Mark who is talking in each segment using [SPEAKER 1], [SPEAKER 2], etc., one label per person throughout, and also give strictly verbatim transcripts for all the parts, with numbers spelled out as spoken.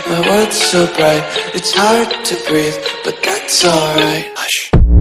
[SPEAKER 1] My world's so bright, it's hard to breathe, but that's alright. Hush.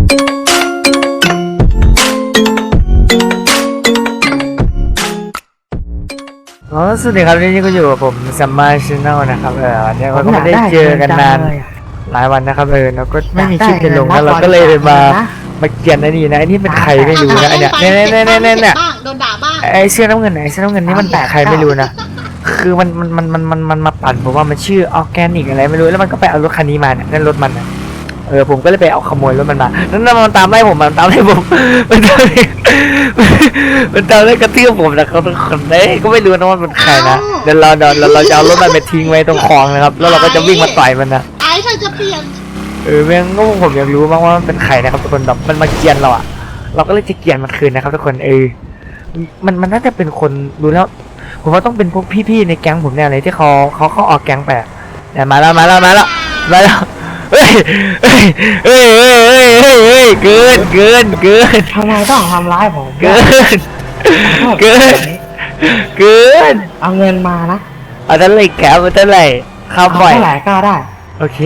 [SPEAKER 2] อ๋อสวัสดีครับนี่ก็อยู่กับผมซัมมาร์ชแนลนะครับเออวันนี้เราก็ไม่ได้เจอกันนานหลายวันนะครับเออเราก็ไม่มีคลิปจะลงแล้วเราก็เลยมามาเขียนไอ้นี่นะไอ้นี่เป็นใครไม่รู้นะไอ้เนี่ยเนี่ยเนี่ยเนี่ยเนี่ยเนี่ย
[SPEAKER 3] โดนด่าบ้าง
[SPEAKER 2] ไอ้เสื้อน้ำเงินไหนเสื้อน้ำเงินนี่มันเป็นใครไม่รู้นะคือมันมันมันมันมันมันมาปั่นผมว่ามันชื่อออร์แกนิกอะไรไม่รู้แล้วมันก็ไปเอารถคันนี้มาเนี่ยนั่นรถมันนะเออผมก็เลยไปเอาขโมยรถมันมานั่นมันตามไล่ผมมันตามไล่ผมมันตามมันตามไล่กระเทือบผมนะครับทุกคนเอ้ก็ไม่รู้นะว่ามันใครนะเดี๋ยวเราเดี๋ยวเราจะเอารถมันไปทิ้งไว้ตรงคลองนะครับแล้วเราก็จะวิ่งมาต่อยมันนะ
[SPEAKER 3] ไอ้เธอจะเปลี่ยน
[SPEAKER 2] เออแม่งก็ผมอยากรู้มากว่ามันเป็นใครนะครับทุกคนแบบมันมาเกลียนเราอะเราก็เลยจะเกลียนมันคืนนะครับทุกคนเออมันมันน่าจะเป็นคนดูแล้วผมว่าต้องเป็นพวกพี่ๆในแก๊งผมแน่เลยที่เขาเขาเขาออกแก๊งไปแต่มาแล้วมาแล้วมาแล้วมาแล้วเฮ้ยเฮ้ยเฮ้ยเฮ้ยเฮ้ยเฮ้ยเฮ้ยเกินเกินเกิน
[SPEAKER 4] ทำไมต้องทำร้ายผม
[SPEAKER 2] เกินเกินเกิน
[SPEAKER 4] เอาเงินมานะ
[SPEAKER 2] เอาเท่าไหร่แกเอาเท่าไหร่ข้าว
[SPEAKER 4] เอา
[SPEAKER 2] ปล่อย
[SPEAKER 4] เท่าไหร่ก็ได้
[SPEAKER 2] โอเค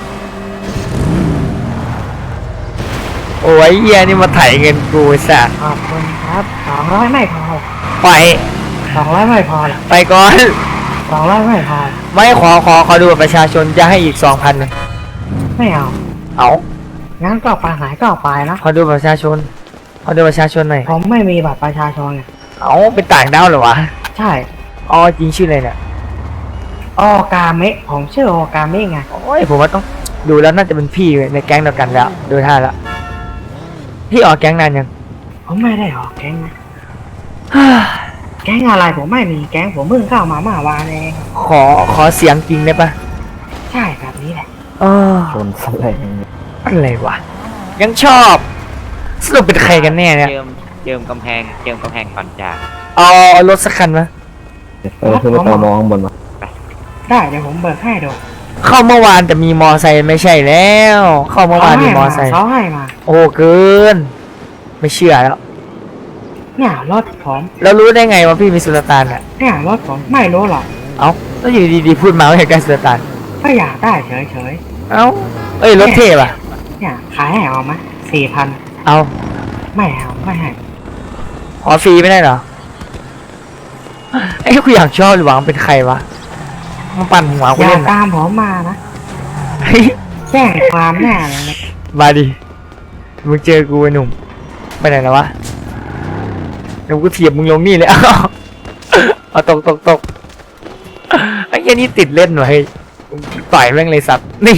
[SPEAKER 2] โอ้ยเฮียนี่มาไถเงินกูสัส
[SPEAKER 4] ขอบคุณครับสองร้อยไม่พอ
[SPEAKER 2] ไป
[SPEAKER 4] สองร้อยไม่พอหรอก
[SPEAKER 2] ไปก่อน
[SPEAKER 4] สองร้อยไม่พอ
[SPEAKER 2] ไม่ขอขอขอดูบัตรประชาชนจะให้อีกสองพัน
[SPEAKER 4] ไม่เอา
[SPEAKER 2] เอา
[SPEAKER 4] งั้นก็ไปหายก็ไปนะ
[SPEAKER 2] ขอดูบัตรประชาชนขอดูบัตรประชาชนหน่อย
[SPEAKER 4] ผมไม่มีบัตรประชาชนไง
[SPEAKER 2] เอาเป็นต่างดาวเหรอวะ
[SPEAKER 4] ใช่
[SPEAKER 2] อ๋อจริงชื่ออะไรเนี่ย
[SPEAKER 4] โอกาเมะผมชื่อโอกาเมะไง
[SPEAKER 2] โอ้ยผมว่าต้องดูแล้วน่าจะเป็นพี่ในแก๊งเดียวกันแล้วดูท่าแล้วพี่ออกแก๊งนานยัง
[SPEAKER 4] ผมไม่ได้ออกแก๊งนะแก๊งอะไรผมไม่มีแก๊งผมเพิ่งเข้ามาเมื่อวานเอง
[SPEAKER 2] ขอขอเสียงจริงได้ปะ
[SPEAKER 4] ใช่แบบนี้แหละ
[SPEAKER 2] เออ
[SPEAKER 5] ชนสลง
[SPEAKER 2] อะไรวะยังชอบสรุปเป็นใครกันแน่เนี่ย
[SPEAKER 6] เจิมเจิมกำแพงเจิมกำแพงก่อนจาก
[SPEAKER 2] เอาเอารถสักคันมะ
[SPEAKER 5] เออคือไปตอมองข้างบนมา
[SPEAKER 4] ได้เดี๋ยวผมเบิกให้ดู
[SPEAKER 2] เข้าเมื่อวานแต่มีมอไซค์ไม่ใช่แล้ว เข้าเมื่อวานมีมอไซค์
[SPEAKER 4] เขาให้มา
[SPEAKER 2] โอ้เกิน ไม่เชื่อแล้ว
[SPEAKER 4] เนี่ยรถผม
[SPEAKER 2] แล้วรู้ได้ไงว่าพี่มีสุลต่านอ่ะ
[SPEAKER 4] เนี่ยรถผมไม่รู้หรอก
[SPEAKER 2] เอ้าแล้วอยู่ดีๆพูดมาว่าอยากได้สุลต่าน
[SPEAKER 4] ก็อยากได้เฉย
[SPEAKER 2] เอ้าเอ้ยรถเทพอ่ะ
[SPEAKER 4] ๆเนี่ยขายให้เอาไหมสี่พัน
[SPEAKER 2] เอา
[SPEAKER 4] ไม่เอาไม่ให้
[SPEAKER 2] ขอฟรีไม่ได้เหรอไอ้กูอยากชอบหรือหวังเป็นใครวะมาปั่นหัวกู
[SPEAKER 4] อย่า
[SPEAKER 2] เล่น
[SPEAKER 4] ตามผมมานะ
[SPEAKER 2] เฮ้ย
[SPEAKER 4] แจ้งความแน่เลย
[SPEAKER 2] มาดิมึงเจอกูไอ้หนุ่มไปไหนแล้ววะเดี๋ยวกูเถียบมึงลงนี่เลย เอาเอาตกตกตกไอ้เหี้ยนี่ติดเล่นหน่อยต่อยแม่งเลยสัตว์นี่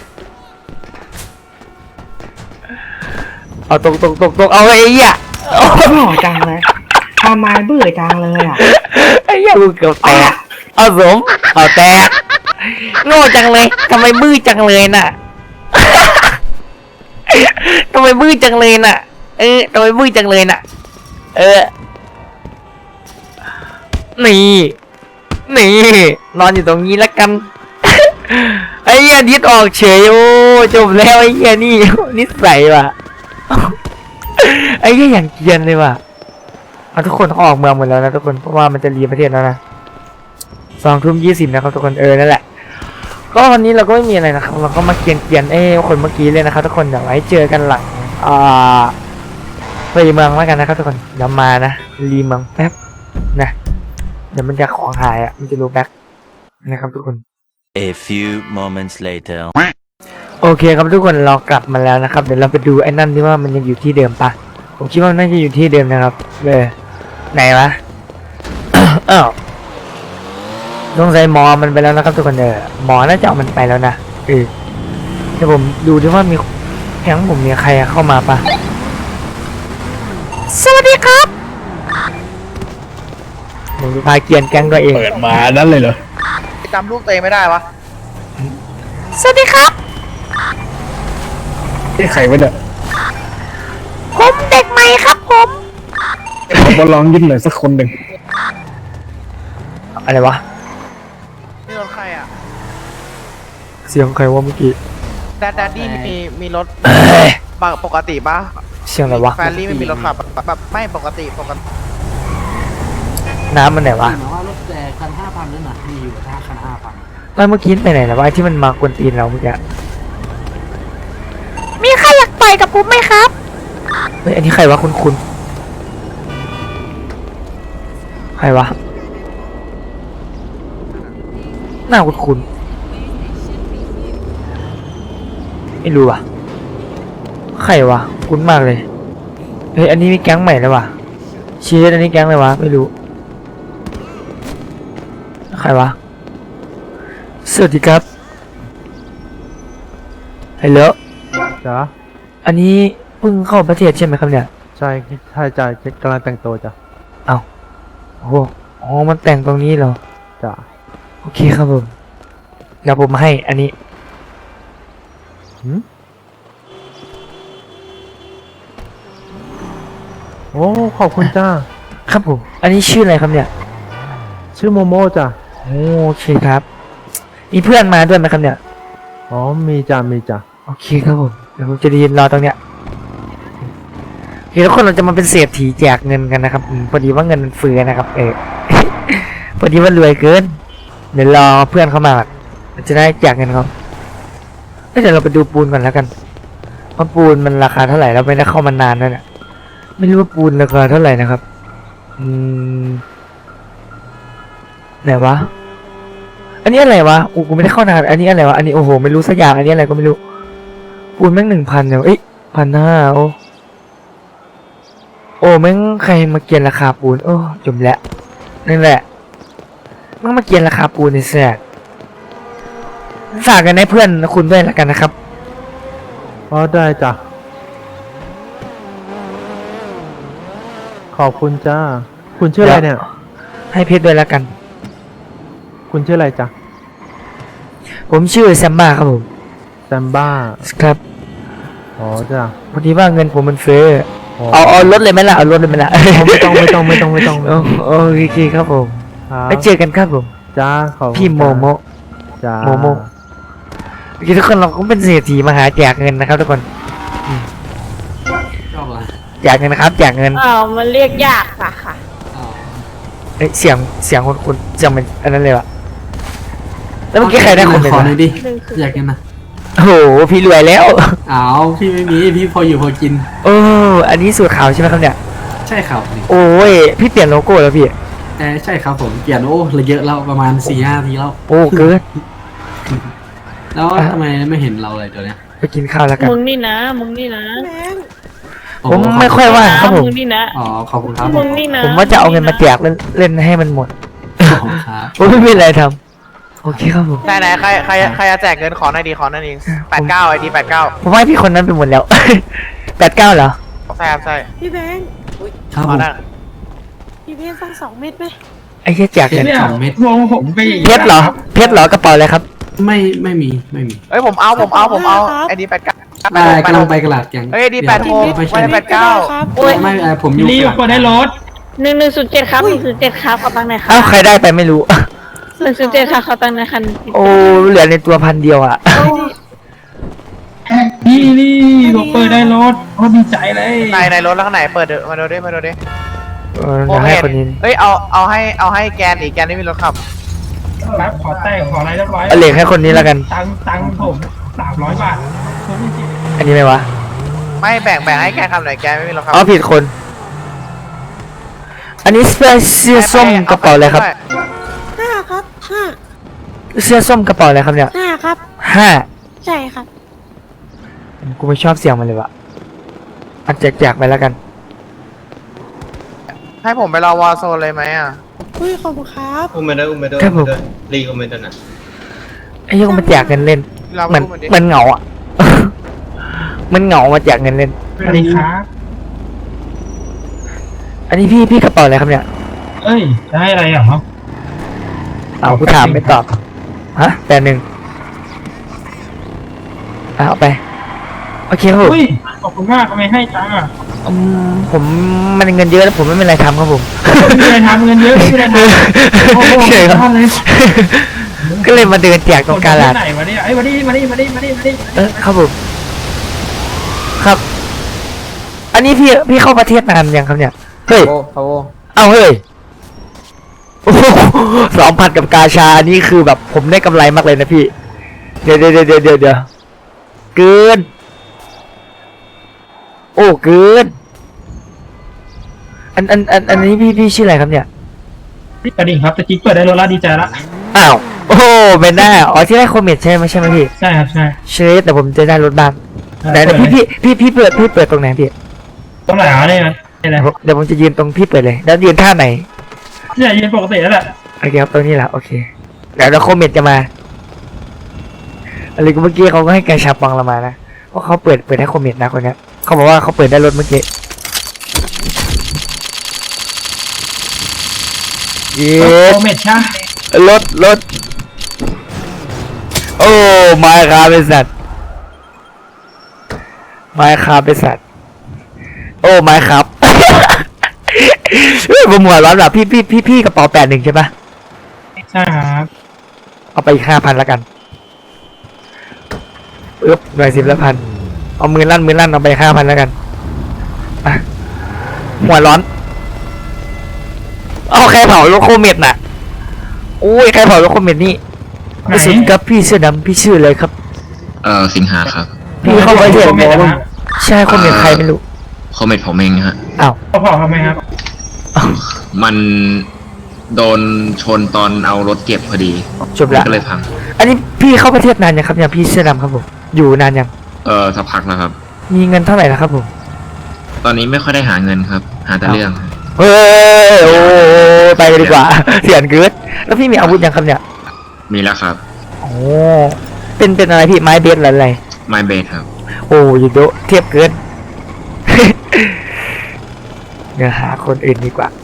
[SPEAKER 2] เอาตกตกตกตกเอาไอ้เหี้ย
[SPEAKER 4] โง่จังเลยทำไมเบื่อจังเลยอ่ะ
[SPEAKER 2] ไอ้เหี้ยกูเกือบแตกเอาสมเอาแตกโง่จังเลยทำไมบื้อจังเลยน่ะ ทำไมบื้อจังเลยน่ะ เออทำไมบื้อจังเลยน่ะ เออ นี่ นี่ นอนอยู่ตรงนี้แล้วกัน ไอ้เหี้ยดิดออกเฉยโอ้จบแล้วไอ้เหี้ยนี่ นิสัยว่ะ ไอ้เหี้ยอย่างเกรียนเลยว่ะเอาทุกคนเขาออกเมืองหมดแล้วนะทุกคนเพราะว่ามันจะรีประเทศแล้วนะสองทุ่มยี่สิบนะครับทุกคนเออนั่นแหละก็วันนี้เราก็ไม่มีอะไรนะครับเราก็มาเกียนเกียนเอ้คนเมื่อกี้เลยนะครับทุกคนเดี๋ยวไว้เจอกันหลังอ่าไปเมืองแล้วกันนะครับทุกคนเดี๋ยวมานะรีเมืองแป๊บนะเดี๋ยวมันจะของหายอ่ะมันจะรู้แบ็คนะครับทุกคน
[SPEAKER 7] A few moments later
[SPEAKER 2] โอเคครับทุกคนเรากลับมาแล้วนะครับเดี๋ยวเราไปดูไอ้นั่นที่ว่ามันยังอยู่ที่เดิมปะผมคิดว่ามันน่าจะอยู่ที่เดิมนะครับเออไหนวะ อ้าวสงสัยหมอมันไปแล้วนะครับทุกคนเออหมอน่าจะเอามันไปแล้วนะเออเดี๋ยวผมดูดิว่ามีแก๊งผมมีใครเข้ามาปะสวัสดีครับผมจะพาเกียนแก๊งตัวเอง
[SPEAKER 5] เปิดมานั้นเลยเหรอ
[SPEAKER 8] จำลูกตัวเองไม่ได้วะ
[SPEAKER 2] สวัสดีครับ
[SPEAKER 5] ที่ใครวะเนี่ย
[SPEAKER 2] ผมเด็กใหม่ครับผม
[SPEAKER 5] ผมมาลองยิ้มหน่อยสักคนหนึ่ง
[SPEAKER 2] อะไรวะ
[SPEAKER 8] นี่รถใครอ่ะ
[SPEAKER 2] เสียงใครวะเมื่อกี้
[SPEAKER 8] แดดแดดดี้มีมีรถ
[SPEAKER 2] เอ้ย
[SPEAKER 8] ปกติปะ
[SPEAKER 2] เสียงอะไรวะ
[SPEAKER 8] แฟรรี่ไม่มีรถขับแบบไม่ปกติปกติ
[SPEAKER 2] น้ำมันไหนวะ
[SPEAKER 9] หมายว่ารถแต่คันห้าพันนั่นน่ะมีอยู่ถ้าคันห้าพัน
[SPEAKER 2] แล้วเมื่อกี้ไปไหนแล้ววะไอ้ที่มันมากวนตีนเราเมื่อกี้
[SPEAKER 3] มีใครอยากต่อยกับผมไหมครับ
[SPEAKER 2] เฮ้ยอันนี้ใครวะคุณคุณใครวะหน้าคุณคุณไม่รู้ว่ะใครวะคุ้นมากเลยเฮ้ยอันนี้มีแก๊งใหม่แล้ววะเชียร์อันนี้แก๊งเลยวะไม่รู้ใครวะสวัสดีครับฮัลโหล
[SPEAKER 9] จ้า
[SPEAKER 2] อันนี้เพิ่งเข้าประเทศใช่ไหมครับเนี่ย
[SPEAKER 9] ใช่ใช่จ้ากำลังแต่งตัวจ้ะ
[SPEAKER 2] เอาโอ้โหอ๋อมันแต่งตรงนี้เหรอ
[SPEAKER 9] จ้า
[SPEAKER 2] โอเคครับผมเดี๋ยวผมให้อันนี้
[SPEAKER 9] หืมโอ้ขอบคุณจ้า
[SPEAKER 2] ครับผม อันนี้ชื่ออะไรครับเนี่ย
[SPEAKER 9] ชื่อโมโมจ้ะ
[SPEAKER 2] โอเคครับ มีเพื่อนมาด้วยไหมครับเนี่ย
[SPEAKER 9] อ๋อมีจ้ามีจ้า
[SPEAKER 2] โอเคครับผม เดี๋ยวผมจะยืนรอตรงเนี้ยโอเคทุกคนเราจะมาเป็นเศรษฐีแจกเงินกันนะครับอืมพอดีว่าเงินมันเฟือนะครับ เอ อ พอดีว่ารวยเกิน เดี๋ยวรอเพื่อนเข้ามาก่อนเราจะได้แจกเงินเขาเอ้ยเดี๋ยวเราไปดูปูนก่อนแล้วกันว่าปูนมันราคาเท่าไหร่เราไม่ได้เข้ามานานแล้วเนี่ยไม่รู้ว่าปูนราคาเท่าไหร่นะครับ อืมไหนวะ อันนี้อะไรวะอูกูไม่ได้เข้านาน อันนี้อะไรวะ อันนี้โอ้โหไม่รู้สักอย่าง อันนี้อะไรก็ไม่รู้ ปูนแม่งหนึ่งพันเนี่ยเอ้ยพันห้าโอ้โอ้แม่งใครมาเกียนราคาปูน โอ้จมแล้วนั่นแหละแม่งมาเกียนราคาปูนในแสกฝากกันให้เพื่อนคุณด้วยละกันนะครับ
[SPEAKER 9] อ๋อได้จ้ะขอบคุณจ้าคุณชื่ออะไรเนี่ย
[SPEAKER 2] ให้เพชรด้วยละกัน
[SPEAKER 9] คุณชื่ออะไรจ้ะ
[SPEAKER 2] ผมชื่อแซมบ้าครับผม
[SPEAKER 9] แซมบ้า
[SPEAKER 2] ครับ
[SPEAKER 9] อ๋อจ้ะ
[SPEAKER 2] พอดีว่าเงินผมมันเฟ้อ
[SPEAKER 9] อ๋อ
[SPEAKER 2] เอาเอารถเลยไหมล่ะ เอารถเลยไหมล่ะ
[SPEAKER 9] ไม่ต้องไม่ต้องไม่ต้องไม่ต้อง
[SPEAKER 2] โอ้โอเคครับผม
[SPEAKER 9] ครับ
[SPEAKER 2] ไปเจอกันครับผม
[SPEAKER 9] จ้าขอบคุณ
[SPEAKER 2] พี่โมโม
[SPEAKER 9] จ้า
[SPEAKER 2] โมโม โอเคทุกคนเราก็เป็นเศรษฐีมาหาแจกเงินนะครับทุกคนอืมแจกเงินนะครับแจกเงิน
[SPEAKER 3] อ้าวมันเรียกยากค่ะค่ะ
[SPEAKER 2] เอ้ยเสียงเสียงคนคุณเสียงเป็นอันนั้นเลยวะแล้วเมื่อกี้ใครได้คนเป็น
[SPEAKER 10] ขอ
[SPEAKER 2] วะ
[SPEAKER 10] หน่อยดิอยากกินนะ
[SPEAKER 2] โอ้โหพี่รวยแล้ว
[SPEAKER 10] อ้าวพี่ไม่มีพี่พออยู่พอกิน
[SPEAKER 2] โอ้อันนี้สูตรขาวใช่ไหมครับเนี่ย
[SPEAKER 10] ใช่ครับนี่
[SPEAKER 2] โอ้ยพี่เปลี่ยนโลโก้แล้วพี่
[SPEAKER 10] เออใช่ครับผมเปลี่ยนโอ้เหลยเยอะแล้วประมาณสี่ห้าทีแล้ว
[SPEAKER 2] โอ้เกิน
[SPEAKER 10] แล้ว
[SPEAKER 2] อ่ะ
[SPEAKER 10] ทำไมไม่เห็นเราเลยตัวเนี้ย
[SPEAKER 2] ไปกินข้าวแล้วกัน
[SPEAKER 3] มึงนี่นะ มึงนี่นะ
[SPEAKER 10] โอ้
[SPEAKER 2] ผมไม่ค่อยว่างครับผม
[SPEAKER 3] มึงนี่นะ
[SPEAKER 10] อ๋อขอบคุณครับ
[SPEAKER 3] มึงนี่นะ
[SPEAKER 2] ผมว่าจะเอาเงินมาแจกเล่นเล่นให้มันหมด
[SPEAKER 10] ขอบคุณครับ
[SPEAKER 2] ผมไม่มีอะไรทำโอเคครับผม
[SPEAKER 8] ไหนไหนใครใครใครจะแจกเงินขอหน่อยดีขอหน่อยดีแปดเก้าไอดีแปดเก้า
[SPEAKER 2] ผมว่าพี่คนนั้นไปหมดแล้ว แปดเก้าเหรอ
[SPEAKER 8] ใช่ครับใช่
[SPEAKER 3] พี่แบงค์
[SPEAKER 10] ครับ
[SPEAKER 8] ข
[SPEAKER 10] ผ
[SPEAKER 8] อ
[SPEAKER 10] ม
[SPEAKER 8] หน่อย
[SPEAKER 3] พี่เพชรสักสองเม็ดไหม
[SPEAKER 2] ไอ้เหี้ยแจกเงิน
[SPEAKER 10] สองเม็ด
[SPEAKER 2] เพชรเหรอเพชรเหรอกระเป๋าอะไรครับ
[SPEAKER 10] ไม่ไม่มีไม่มี
[SPEAKER 8] เอ้ยผมเอาผมเอาผมเอาไอดีแปดเก้า
[SPEAKER 10] ได้กำลังไปกระดาษแกง
[SPEAKER 8] เอ้ยดีแปดหก
[SPEAKER 10] ไม่
[SPEAKER 8] ไม่
[SPEAKER 10] ใช่
[SPEAKER 8] ได้แปดเก้า
[SPEAKER 3] โอ้ย
[SPEAKER 10] ไม่เออผมอยู่กระดาษ
[SPEAKER 3] หนึ่งหนึ่งศูนย์เจ็ดครับหนึ่งศูนย์เจ็ดครับขอตังค์หน่อยครั
[SPEAKER 2] อ้าว
[SPEAKER 3] บ
[SPEAKER 2] ใครได้ไปไม่รู้
[SPEAKER 3] หนึ่งศูนย์เจ็ดครับขอตังค์หน่อยครับ
[SPEAKER 2] โอ้เหลือในตัวพันเดียวอ่ะ
[SPEAKER 11] นี่นี่ผมเปิดได้รถโอ้ดีใจเลย
[SPEAKER 8] ในในรถแล้วข้างไหนเปิดเดี๋ยวมาดูดิมาดูดิ
[SPEAKER 2] เออเดี๋ยวให้คนนี้
[SPEAKER 8] เอ้ยเอาเอาให้เอาให้แกนอีกแกนไม่มีรถขับ
[SPEAKER 11] รับขอแต่งขออะไรเรียบร้อย
[SPEAKER 2] เอาเหล็กให้คนนี้แล้วกัน
[SPEAKER 11] ตังค์ตังค์ผมสามร้อยบาทรถไม่จริง
[SPEAKER 2] อันนี้ไหมวะ
[SPEAKER 8] ไม่แบ่งแบ่งให้แกนขับหน่อยแกนไม่มีรถขับ
[SPEAKER 2] อ๋อผิดคน อันนี้เสื้อเสื้อส้มกระเป๋าอะไรครับ
[SPEAKER 3] ห้าครับห้า
[SPEAKER 2] เสื้อส้มกระเป๋าอะไรครับเนี่ย
[SPEAKER 3] ห้าครับ
[SPEAKER 2] ห้า
[SPEAKER 3] ใช่ครับ
[SPEAKER 2] กูไม่ชอบเสียงมันเลยวะอัดแจกๆไปแล้วกัน
[SPEAKER 8] ให้ผมไปรอวอลโซนเลยไหมอ่ะ
[SPEAKER 3] อุ้ยขอบคุณครับ
[SPEAKER 11] อุ้มไปด้วยอุ้มไปด้วย
[SPEAKER 2] ครับผม
[SPEAKER 11] รีอุ้มไปด้วยนะ
[SPEAKER 2] ไอ้เหี้ยังมาแจกเงินเล่น
[SPEAKER 8] เรา
[SPEAKER 2] มัน
[SPEAKER 8] พูดมันดิ
[SPEAKER 2] มันเหงาอ่ะ มันเหงามาแจกเงินเล่น
[SPEAKER 11] สวัสดีครับ
[SPEAKER 2] อันนี้พี่พี่กระเป๋าอะไรครับเนี่ย
[SPEAKER 11] เอ้ยจะให้อะไรอ่ะครับ
[SPEAKER 2] เอากูถามไม่ตอบ ฮะแต่หนึ่งอ่ะเอาไป โอเคครับผม
[SPEAKER 11] อุ้ยขอบคุณมากทำไมให้ตังค์อ่ะ
[SPEAKER 2] อืมผมมันเงินเยอะแล้วผมไม่มีอะไรทำครับผม
[SPEAKER 11] ไม่มีอะไรทำเงินเยอะไม่มีอะไรทำโอ้โห
[SPEAKER 2] เฉยครับ
[SPEAKER 11] ทำเลย
[SPEAKER 2] ก็เลยมาเดินแจกตรงกาลาด
[SPEAKER 11] ไหนวะเนี่ยไอ้ยมาดิมาดิมาดิมาดิมาดิ
[SPEAKER 2] เออครับผม ครับ อันนี้พี่พี่เข้าประเทศนานยังครับเนี่ย เฮ้ย
[SPEAKER 5] โอ้โห
[SPEAKER 2] เอาเฮ้ยโอ้สองพันกับกาชานี่คือแบบผมได้กำไรมากเลยนะพี่เดี๋ยวเดี๋ยวเดี๋ยวเดี๋ยวเดี๋ยวเกินโอ้เกินอันอันอันอันนี้พี่พี่ชื่ออะไรครับเนี่ย
[SPEAKER 11] กระดิ่งครับตะกี้เปิดได้รถแล้วดีใจละ
[SPEAKER 2] อ้าวโอ้เป็นหน้าอ๋อที่ได้คอมเมนต์ใช่ไหมใช่ไหมพี่
[SPEAKER 11] ใช่ครับใช่
[SPEAKER 2] เชฟแต่ผมจะได้รถบ้างไหนๆพี่พี่พี่พี่เปิดพี่เปิดตรงไหนพี่
[SPEAKER 11] ตรงไหนอ่ะเนี่ยนี่แหละ
[SPEAKER 2] เดี๋ยวผมจะยืนตรงพี่เปิดเลยแล้วยืนท่าไหน
[SPEAKER 11] เนี่ยยืนปกติแล้วแหละ
[SPEAKER 2] โอเคครับตรงนี้แหละโอเคเดี๋ยวเราคอมเมนต์จะมาอะไรก็เมื่อกี้เขาก็ให้แกชาปังเรามานะเพราะเขาเปิดเปิดให้คอมเมนต์นะคนเนี้ยเขาบอกว่าเขาเปิดได้รถเมื่อกี้เย้
[SPEAKER 11] โอเมดช่าง
[SPEAKER 2] รถรถโอ้มาครับเป็นสัตว์มาครับเป็นสัตว์โอ้มาครับ เฮ้ยผมหัวร้อนแบบพี่พี่พี่พี่กระเป๋าแปดหนึ่งใช่ปะ
[SPEAKER 11] ใช่ครับ
[SPEAKER 2] เอาไปอีกห้าพันแล้วกันอึ๊บหน่วยสิบละพันเอามือลั่นมือลั่นเอาไปห้าพันแล้วกันอ่ะหัวร้อนเอาใครเผารถโคเมดน่ะโอ้ยใครเผารถโคเมดนี่ไม่สิครับพี่เสื้อดำพี่ชื่ออะไรครับ
[SPEAKER 12] เออสิงหาครับ
[SPEAKER 2] พี่เข้าประเทศ
[SPEAKER 11] โอเมดนะฮะ
[SPEAKER 2] ใช่โคเมดใครไม่รู้
[SPEAKER 12] คอมเมนต์ผมเองฮะ
[SPEAKER 2] อ้าว
[SPEAKER 11] เขาพอทำไมครับ
[SPEAKER 12] มันโดนชนตอนเอารถเก็บพอดี
[SPEAKER 2] จบละ
[SPEAKER 12] ก็เลยพัง
[SPEAKER 2] อันนี้พี่เข้าประเทศนานยังครับเนี่ยพี่เสื้อดำครับผมอยู่นานยัง
[SPEAKER 12] เออสักพักแล้วครับ
[SPEAKER 2] มีเงินเท่าไหร่นะครับผม
[SPEAKER 12] ตอนนี้ไม่ค่อยได้หาเงินครับ หาแต่เรื่อง
[SPEAKER 2] เฮ้ยโอ้ไปกันดีกว่า เสียนเกิดแล้วพี่มีอาวุธยังครับเนี่ย
[SPEAKER 12] มีแล้วครับ
[SPEAKER 2] โอ้เป็นเป็นอะไรพี่ไม้เบสหรืออะไร
[SPEAKER 12] ไมเบสครับ
[SPEAKER 2] โอ้ยโดเทียบเกิน เดี๋ยวหาคนอื่นดีกว่า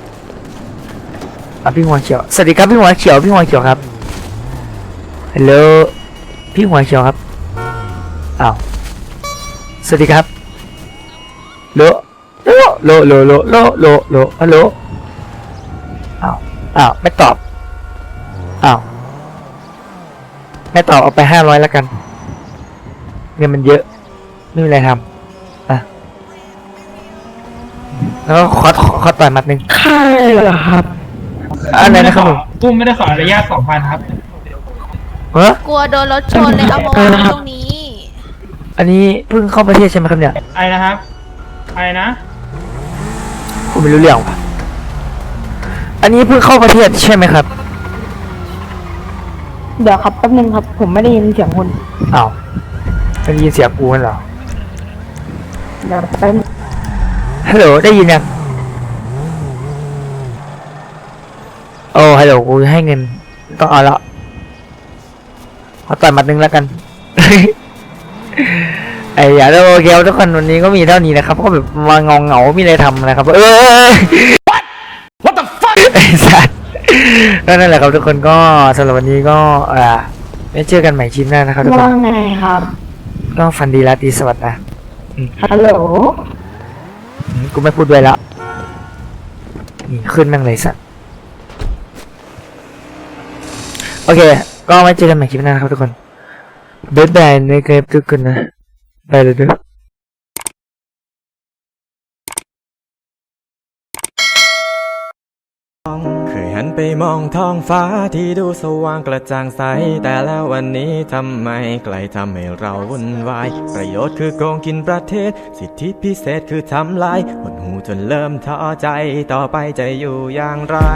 [SPEAKER 2] อ่ะพี่หัวเขียวสวัสดีครับพี่หัวเขียวพี่หัวเขียวครับฮัลโหลพี่หัวเขียวครับอ้าวสวัสดีครับโลโลโลโลโลโลโลโลฮัลโหลอ้าวอ้าวไม่ตอบอ้าวไม่ตอบเอาไปห้าร้อยแล้วกันเงินมันเยอะไม่มีอะไรทำอ่ะแล้วก็ขอขอต่อยหมัดหนึ่ง
[SPEAKER 3] ใครเหรอครับ
[SPEAKER 2] อะไรนะครับผม
[SPEAKER 11] ตุ้มไม่ได้ขออนุญาตสองพันครับ
[SPEAKER 2] เฮ้ย
[SPEAKER 3] กลัวโดนรถชนเลยเอามาวางตรงนี้
[SPEAKER 2] อันนี้เพิ่งเข้าประเทศใช่ไหมครับเนี่ย
[SPEAKER 11] ไอ้นะครับไอ้นะ
[SPEAKER 2] ผมไม่รู้เรื่องว่ะอันนี้เพิ่งเข้าประเทศใช่ไหมครับ
[SPEAKER 3] เดี๋ยวครับแป๊บนึงครับ ผมไม่ได้ยินเสียงคุณ
[SPEAKER 2] อ้าวไม่ได้ยินเสียงกูนั่นเหรอ
[SPEAKER 3] เดี๋ยวแป๊บ
[SPEAKER 2] ฮัลโหลได้ยินยังโอ้ฮัลโหลกูให้เงินต้องเอาละขอต่อยหมัดหนึ่งแล้วกัน ไอ้อย่าโอเคทุกคนวันนี้ก็มีเท่านี้นะครับก็แบบมาเงาเงาๆมีอะไรทำนะครับเออ What the fuck ไอ้สัสก็นั่นแหละครับทุกคนก็สำหรับวันนี้ก็อ่าไม่เจอกันใหม่คลิปหน้านะครับทุกคน
[SPEAKER 3] ว่าไงครับ
[SPEAKER 2] ก็ฟันดีราตรีสวัสดิ์นะอืม
[SPEAKER 3] ฮัลโหล
[SPEAKER 2] อืมกูไม่พูดด้วยแล้วนี่ขึ้นแม่งเลยสัสโอเคก็ไว้เจอกันใหม่คลิปหน้านะครับทุกคนบ๊ายบายนะครับทุกคนนะไปเลยด้วย
[SPEAKER 13] เคยหันไปมองท้องฟ้าที่ดูสว่างกระจ่างใสแต่แล้ววันนี้ทำไมไกลทำให้เราวุ่นวายประโยชน์คือโกงกินประเทศสิทธิพิเศษคือทำลายหดหูจนเริ่มท้อใจต่อไปจะอยู่อย่างไร